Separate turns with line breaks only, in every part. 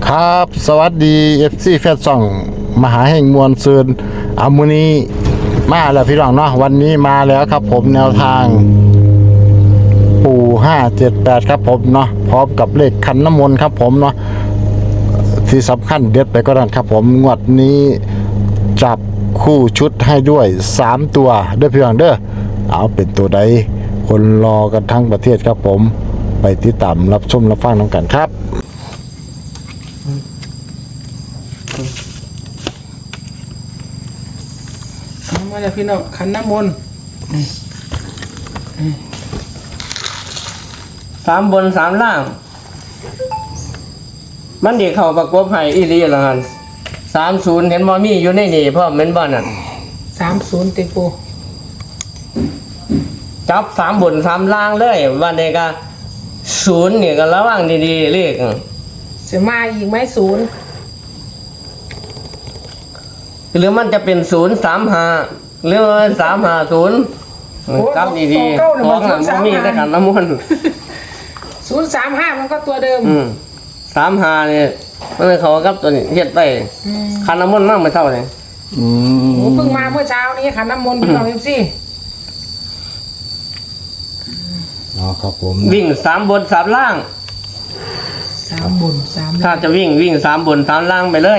ครับสวัสดี FC แฟนซ่องมหาแห่งมวลซืนอามุนีมาแล้วพี่น้องเนาะวันนี้มาแล้วครับผมแนวทางปู่578ครับผมเนาะพร้อมกับเลขขันน้ำมนต์ครับผมเนาะที่สำคัญเด็ดไปก็นั่นครับผมงวดนี้จับคู่ชุดให้ด้วย3ตัวเด้อพี่น้องเด้อเอาเป็นตัวใดคนรอกันทั้งประเทศครับผมไปติดตามรับชมรับฟังน้องกันครับ
มาจากพี่น้องขันน้ำมนต์
3 บน 3 ล่าง มันเด็กเข้าประกบให้อีหลีละหัน30เห็นบ่มีอยู่ในนี่พ่อแม่นบ่นั่น
30ติปู
จับ3 บน 3 ล่างเลยวันนี้ก็0นี่ก็ระวังดีๆเลข
จะมาอีกไหมศูนย์
หรือมันจะเป็น035หรือ350กลับดีๆของน่ะบ่มีแต่ขันน้ำมนต์
035มันก็ตัวเดิม
35นี่มันเลยเขากับตัวนี้เฮ็ดไปขันน้ำมนต์มากไม่เท่าเลย
โอ้เพิ่งมาเมื่อเช้านี้ขันน้ำมนต์พี่น้องสิ
อ๋อครับผม
วิ่ง3 บน 3 ล่าง
3 บน 3
ถ้าจะวิ่ง3 บน 3 ล่างไปเลย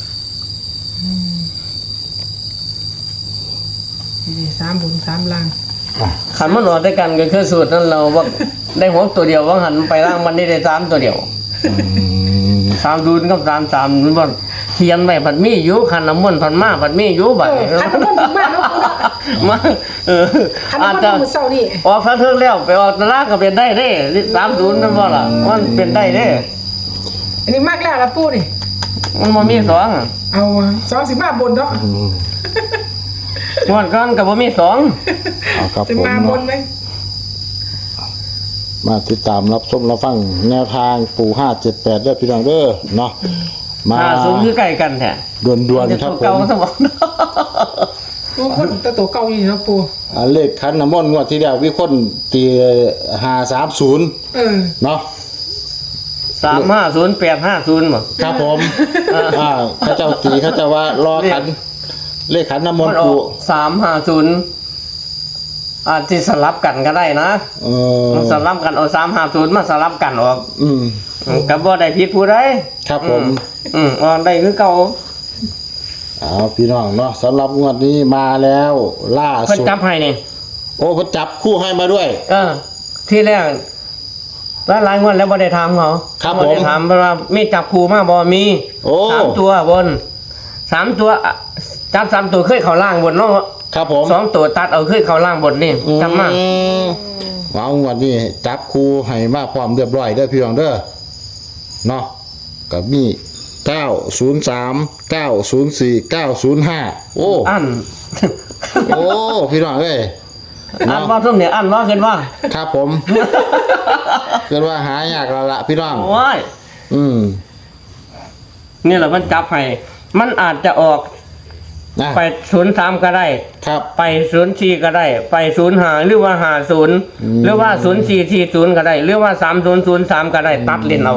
3 บน 3 ล่าง
ขันมันออกด้วยกันก็คือสูตรนั้นเราว่าได้หัวตัวเดียวว่าหันไปล่างมันได้3 ตัวเดียว3 ดูนกับ3 มันบ่เขียนไว้ผัดมีอยู่ขันน้ำมนต์ผัดมาผัดมีอยู่บัดนี้
ขันน้ำมนต์ถึงมาแล้วปูนะ
มา
ขัน
อาจ
น้ำมนต์
จะ
มือเศร้านี่
ออกทั้งเทิงแล้วไปออกตลาดก็เป็นได้เด้30นั่นบ่ล่ะมันเป็นได้เด้
อันนี้มากแล้วละปูนี่
มันบ่มี2อะ
เอา25บนเนาะ
งวดก่อนก็บ่มี2
เอาครับ
จะ
ผม
มาบนไหม
มาติดตามรับชมรับฟังแนวทางปู่578เด้อพี่น้องเด้อเนาะมา
50คือใกล้กันแท้
ด่วนๆครับผ
เก่าม สมอง
ปูคนแต่ตัวเก่าอยู่เนาะปู
เลขคันน้ำมนต์งวดที่แล้ววิคนตี530
เออ
เนาะ
350 850บ่
ครับผมเขาเจ้าตีเขาเจ้าว่ารอขันเลขขันน้ำมน
มัน
ต์
ออ
ปู่
ก350อาจจะสลับกันก็ได้นะ มันสลับกันเอา350มาสลับกันออก ก็บ่ได้ผิดผู้ใด
ครับผม
ออกได้คือเก่า
เอาพี่น้องเนาะสำหรับงวดนี้มาแล้วล่า
เพิ่น
สุด
จับให้นี่
โอ้เขาจับคู่ให้มาด้วย
ที่แรกหลายงวดแล้วบ่ได้ถามเขา
ครับ
บ่ได้
ผม
ถามว่ามีจับคู่มาบ่มี
โอ้
3 ตัวบน3 ตัวจับ3 ตัวเคยเข้าล่างบนเนาะ
ครับผม
2 ตัวตัดเอาเคยเข้าล่างบนนี่จำมา
เอางวดนี้จับคู่ให้มาพร้อมเรียบร้อยเด้อพี่น้องเด้อเนาะกับมี903 904 905โอ้
อัน
โอ้พี่น้องเอ้ย
อันว่าซุ่มเนี่ยอันว่าขึ้นว่า
ครับผมเกิดว่าหายากแล้วละพี่น้อง
โอ้ย นี่แหละมันจับให้มันอาจจะออก
นะ
ไป03ก็ได้
ครับ
ไป04ก็ได้ ไป05หรือว่า50หรือว่า0440ก็ได้ หรือว่า3003ก็ได้ตัดเล่นเอา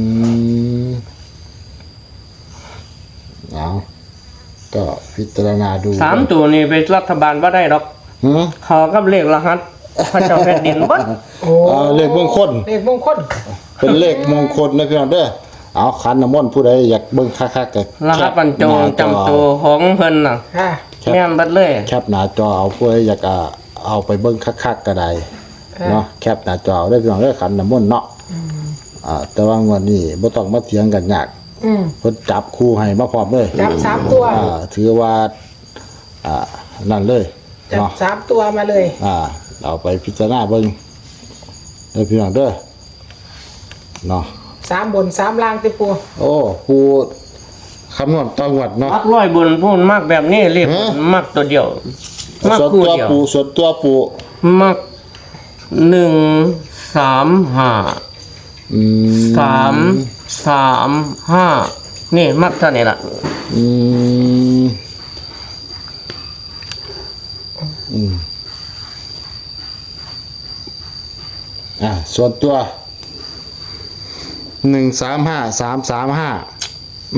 เอาก็พิจารณาดู
3 ตัวนี้ไปรัฐบาลบ่ได้ดอก
หือ
ขอกับเลขรหัสพระเจ้าแผ่นดินบ่
โอ้
เลขมงคล
เลขมงคล
เป็นเลขมงคลนะพี่น้องเด้อเอาขันน้ำมนต์ผู้ใดอยากเบิ่งคักๆก็
รหัสบรรจงจำตัวของเพิ่นน่ะ
ค่ะ
แม่นเบัดเลย
แคปหน้าจอเอาผู้ใดอยากเอาไปเบิ่งคักๆก็ได้เนาะแคปหน้าจอได้พี่น้องเด้อขันน้ำมนต์เนาะแต่ว่างวดนี้บ่ต้องมาเถียงกันยากเพิ่นจับคู่ให้มาพร้อมเลย
จับ3ตัว
ถือว่านั่นเลย
จับ
เนาะ
3ตัวมาเลย
เอาไปพิจารณาเบิ่งเด้อพี่น้องเด้อเนาะ
3 บน 3 ล่างติปู
โอ้ปูคำนวณต่องวดเนาะ
มักร้อยบนพูนมากแบบนี้เรียกมักตัวเดียวมัก
ส่วน
คู่
ตัว
เดียว
ปูส่วนตัวปู
มัก135 335นี่มักเท่านี้ล่ะ
อืมส่วนตัว 135 335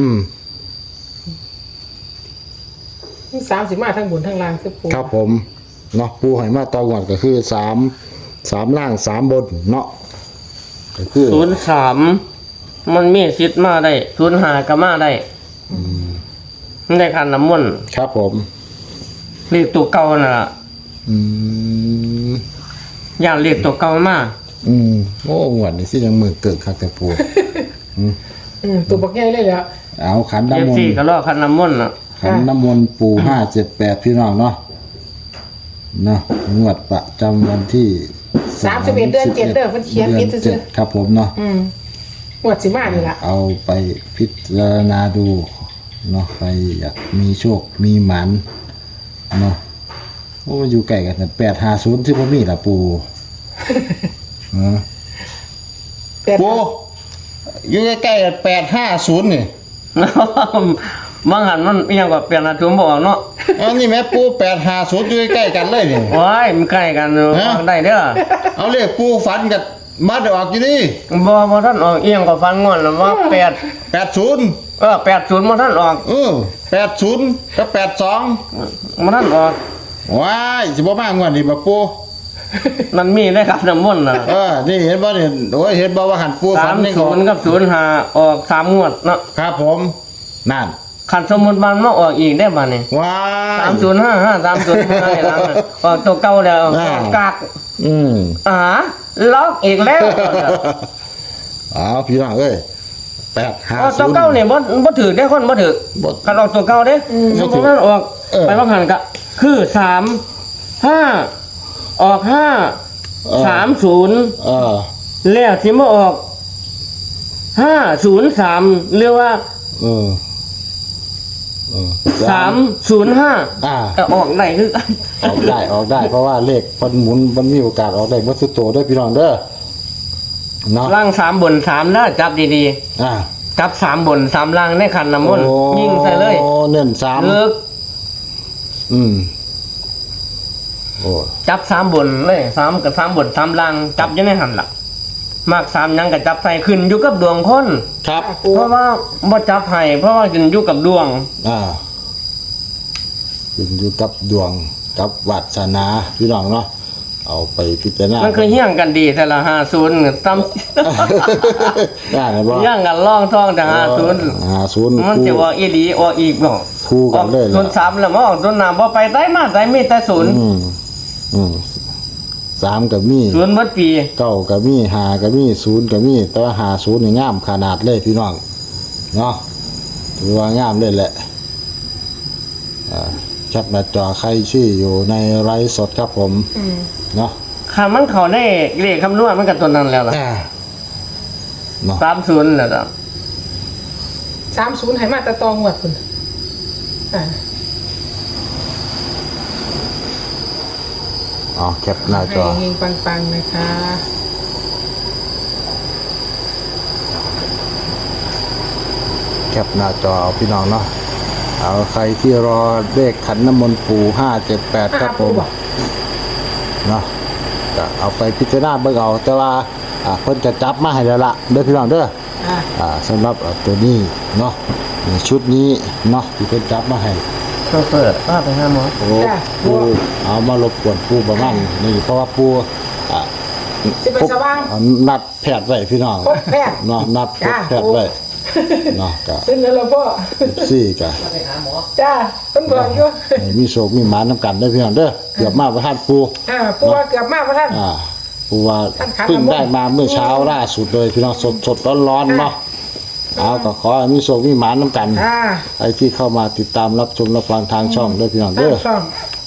30มาทั้งบนทั้งล่างคือปู
ครับผมเนาะปูให้มาตองวดก็คือ3ล่าง3บนเนาะก็คือ
03มันมีสิทธิ์มาได้05ก็มาได้มันได้คันน้ำมนต์
ครับผม
เรียกตัวเก่าน่ะล่ะ
อืม
ย่านเรียกตัวเก่ามา
โอ้งวดนี่สิยังมือเกิดคักแต่ปู
ตัวบักใหญ่เลยแหละ
เอาขัน
เอฟ
น้ำมน
ซี
ต์
ก็รอคันน้ำมนต์น่ะ
ขันน้ำมนต์ปู578พี่น้องเนาะงวดประจำวันที่
31เดือน7เด้อเพิ่นเขียนผิดซื่อ
ครับผมเนาะ
งวดสิมานี่ล่ะ
เอาไปพิจารณาดูเนาะใครอยากมีโชคมีหมันเนาะโอ้อยู่ใกล้กันแต่850ที่บ่มีล่ะปูเออ
8
ปูอยู่ใกล้ๆกัน850นี่
บางหันมันอิหยังก็เปลี่ยนอาทุมบอกเนาะ
อันนี้แม่ปู850อยู่ใกล้ๆกันเลยนี่
โอ้ยมันใกล้กันอยู่
ฮะ
ฟังได้เด้อ
เอาเลขปูฝันกับมัดออกอยู่นี่
บ่ท่านออกอิหยังก็ฟังงอนแล้วว่า
80
80บ่ท่านออก
80กับ82
บ่ท่านออก
ว้ายสิบ่มางวดนี้บ่ปู
มันมีได้ครับน้ำมนต์น่ะ
นี่เห็นบ่นี่โอ้ยเห็นบ่ว่าหันปูฝันนี่ก็
30กับ05ออก3งวดเนาะ
ครับผมนั่น
คันสมมุติมันมาออกอีกได้บ่นี่
ว้าย
3055 3055นี่ล่ะออกตัวเก่าแล้ว
อ่า
กาก ล็อกอีกแล้ว
เอาพี่น้องเอ้ย
ออกตัวเก่า
850
เนี่ยบ่ถือได้คนบ่ถือ
บ่
คันออกตัวเก่าเด้สมมุติมันออก ไปว่าหันก็คือ5ออก530
เออ
แล้วที่มาออก503หรือว่า
เออ
305
อ่า
ก็ออกได้คือกัน
ออกได้เพราะว่าเลขมันหมุนมันมีโอกาสออกได้หมดทุกตัวเด้อพี่น้องเด้อเนาะ
ล่าง3บน3นะจับดี
อ่า
ๆจับ3บน3ล่างในขันน้ำมนต์ยิงใส่เลย
โอ้เน้น3
เลิก
โอ้
จับ3บนเลย3กับ3บน3ล่างจับอยู่ในหันล่ะมาก3ยังก็จับใส่ขึ้นอยู่กับดวงคน
ครับ
ปู
เพราะว่าบ่จับให้เพราะว่าขึ้นอยู่กับดวง
ขึ้นอยู่กับดวงกับวาสนาพี่น้องเนาะเอาไปพิจารณา
มันคือเฮี้ยงกันดีแต่ละ50ซ้ำ
ได้ไหมบ่
เฮี้ยงกันล่องท่องแต่50
50
มันจะว่าอีหลีออกอีกบ่
คู่กันเลย
ศูนย์สามแล้วมาออกศูนย์น้ำบ่ไปได้มาได้มีแต่ศูนย์
3ก็มี
ศูนย์หมดปี
9ก็มี5ก็มี0ก็มีแต่ว่า50นี่งามขนาดเลยพี่น้องเนาะถือว่างามเลยแหละแคปหน้าจอใครชื่ออยู่ในไลฟ์สดครับผมเนาะ
คันมันเข้าได้เลขคำนวณมันก็ตัวนั้นแล้วล่ะ
เนาะ
30แล้วล่ะ
30ให้มาแตะตองวดพุ่น
แคปหน้าจ
ให้
อ
เฮงปังๆนะคะ
แคปหน้าจอเอาพี่น้องเนาะเอาใครที่รอเลขขันน้ำมนต์ปู่578ครับผมเนาะก็เอาไปพิจารณาเบิ่งเอาแต่ว่าเพิ่นจะจับมาให้แล้วล่ะเด้อพี่น้องเด้อสำหรับตัวนี้เนาะชุดนี้เนาะที่เพิ่นจับมาให้
โชเฟอร์พาไปหาหมอ
โอ้ปูเอามารบกวนปูประมาณนี่เพราะว่าปู
สิไปสว่าง
นัดแพทย์ไว้พี่น้อง
พบแพทย์
เนาะนัดพบแพทย์ไว้เนาะก็
เป็นแล้วล่ะพ่อ
ซี่ก็
จ้าเพิ่นบอกอยู่
ให้มีโชคมีหมานำกันเด้อพี่น้องเด้อเกือบมาประทานปู
ปูว่าเกือบมาบ่ทัน
ปูว่า
ท่านขัน
เพิ่ง
น้ำมนต์
ได้มาเมื่อเช้าล่าสุดเลยพี่น้องสดร้อนๆเนาะเอาก็ขอให้มีโชคมีหมานนำกันไอ้ที่เข้ามาติดตามรับชมรับฟังทางช่องเด้อพี่น้อง
เด้
เด้
อ
อ
ช่อง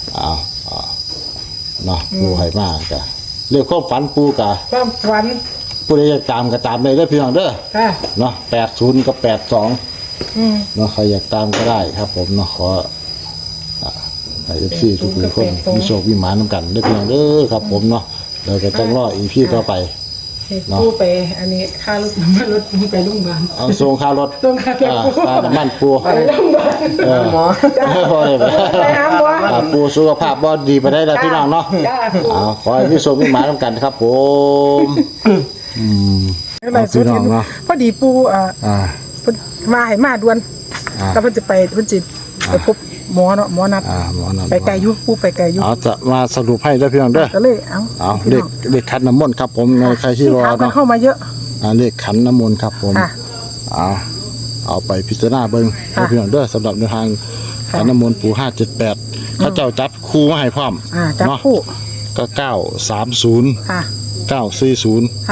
เนาะปูให้มากกะเรื่องความฝันปูกะ
ความฝัน
ผู้ใดอยากตามก็ตามเลยเด้อพี่น้องเด้อ
ค่ะ
เนาะ80กับ82เนาะใครอยากตามก็ได้ครับผมเนาะขอให้ FC ทุกคนมีโชคมีหมานำกันเด้อพี่น้องเด้อครับผมเนาะเราก็ต้องรออีพีต่อไป
ปูไปอันนี้ค่ารถน้ำมันรถปูไปโรงพยาบาล
เอาส่งค่ารถ
ส่งค่ารถ
ค่าน้ำมันปู
ไปโรงพยาบาล
หมอ
พอเลย
ไปหาหมอ
ปูสุขภาพบ่ดีไปได้แล้วพี่น้องเนาะ
จ้าปู
ขอให้มีโชคมีหมานำกันครับผม
อะไรสุดเห็นพอดีปูมาให้มาด่วนแล้วเพิ่นจะไปเพิ่นจิไปพบหมอเนาะหมอนัด
หมอนัด
ไปไกลอยู่ปูไปไกลอยู่
จะมาสรุปให้ได้พี่น้องเด้อ
ก็เลยเอา
เลขขันน้ำมนต์ครับผมในใครที่รอ
มัน
เนาะ
เข้ามาเยอะ
เลขขันน้ำมนต์ครับผม เอาไปพิจารณาเบิ่งพี่น้องเด้อสำหรับในทางขันน้ำมนต์ปู่578เขาเจ้าจับคู่มาให้พร้อม
จับคู่
ก็930
ค่ะ
940
ค่ะ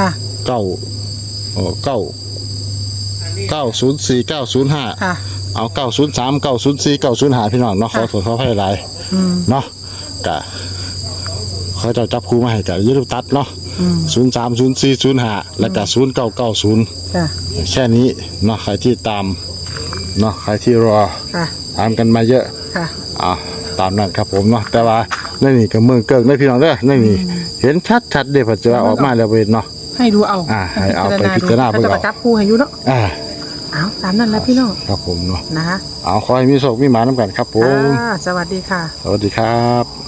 904 905
ค่ะ
เอา903 904 905พี่น้องเนาะขอโทษขออภัยหลายเนาะกะเขาจะจับคู่มาให้กะอย่าลืมตัดเนาะ03 04 05แล้วก็0990
ค่ะ
แค่นี้เนาะใครที่ตามเนาะใครที่รอ
ค่ะ
ตามกันมาเยอะ
ค่ะ
ตามนั้นครับผมเนาะแต่ว่านี่ก็เมืองเกิงได้พี่น้องเด้อนี่เห็นชัดๆเด้พอจะออกมาแล้วเว้ยเนาะ
ให้ดูเอา
ให้เอาไปพิจารณาเบิ่ง
จะจับคู่ให้อยู่เนาะเอาตามนั้นแหละพี่น้อง
ครับผมเนาะ
นะคะ
ขอให้มีโชคมีหมานำกันครับผม
สวัสดีค่ะ
สวัสดีครับ